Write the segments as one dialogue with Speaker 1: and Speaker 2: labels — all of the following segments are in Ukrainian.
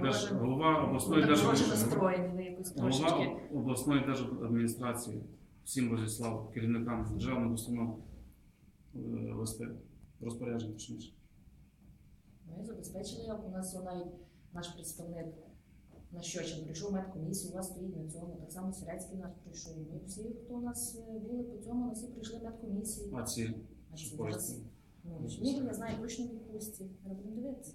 Speaker 1: голова обласної
Speaker 2: настроєні, ви якось трошечки.
Speaker 1: обласної держадміністрації всім розіслав керівникам державних установ листи, розпорядження точніше.
Speaker 2: Ми забезпечили, у нас навіть наш представник на Щочин прийшов медкомісію, у вас стоїть на цьому, так само Сирецький наш прийшов. Ми всі, хто у нас були по цьому, всі прийшли медкомісії.
Speaker 1: А ці
Speaker 2: зараз, Шмігель, я знаю, точно відпустці. Треба будемо дивитися.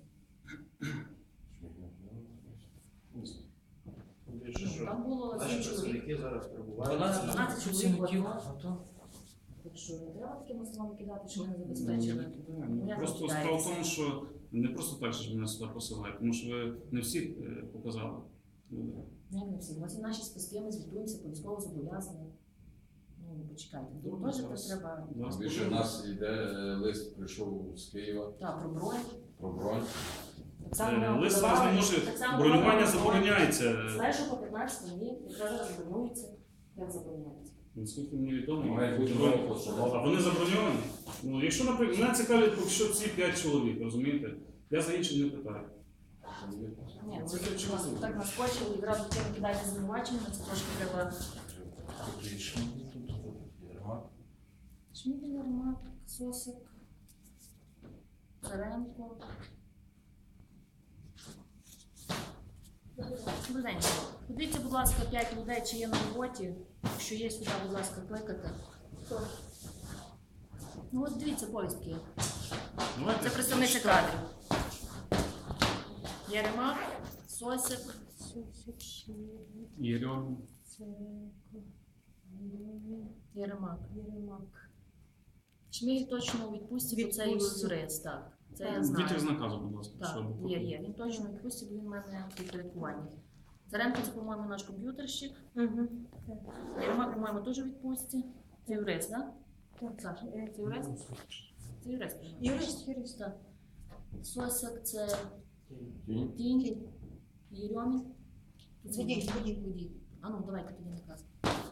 Speaker 2: Там було 7 чоловік.
Speaker 3: Зараз перебувають.
Speaker 2: 12 чоловік. Так що не треба такими словами кидати, що ми не забезпечили.
Speaker 1: Просто справа в тому, що не просто так, що мене сюди посилають, тому що ви не всі показали.
Speaker 2: Як не всі? Ось і наші списки, ми звітуємося по військово зобов'язані. Ну, почекайте.
Speaker 1: Добре,
Speaker 2: Теж
Speaker 1: зараз.
Speaker 2: треба...
Speaker 4: Більше в нас йде лист, прийшов з Києва
Speaker 2: Так, про бронь.
Speaker 4: про бронь.
Speaker 2: Так само
Speaker 1: Лист зараз не може, бронювання забороняється.
Speaker 2: З 1 по 15 днів, якраз зараз забронюється. Як забороняється?
Speaker 1: Наскільки мені відомо,
Speaker 4: Має бути нова постанова.
Speaker 1: а вони заброньовані? Ну, якщо, наприклад, мене цікавить, поки що ці 5 чоловік, розумієте? Я за інших не питаю.
Speaker 2: Ні, ви нас так наскочили, і одразу тим кидаєте звинувачення, це трошки треба... Шмігель, Єрмак, Сосик, Царенко. Добрий день. Подивіться, будь ласка, 5 людей, чи є на роботі. Якщо є, сюди, будь ласка, кликати. Ну от дивіться, повістки. Це представниця кадрів. Єрмак, Сосик,
Speaker 1: Єрьом.
Speaker 2: Єрмак. Шмігель точно у відпустці, бо це юрист, так. Це я знаю.
Speaker 1: Вітер з наказу, будь ласка.
Speaker 2: Так,
Speaker 1: щоб
Speaker 2: є. Він точно у відпустці, бо він в мене в підпорядкуванні. Царенко, це, по-моєму, наш комп'ютерщик. Єрмак, по-моєму, теж у відпустці. Це юрист, так? Так. Саша, це юрист? Це юрист. Юрист, так. Сосик, це Тінь. Єрьомін.
Speaker 5: Водій.
Speaker 2: А ну, давайте тоді наказ.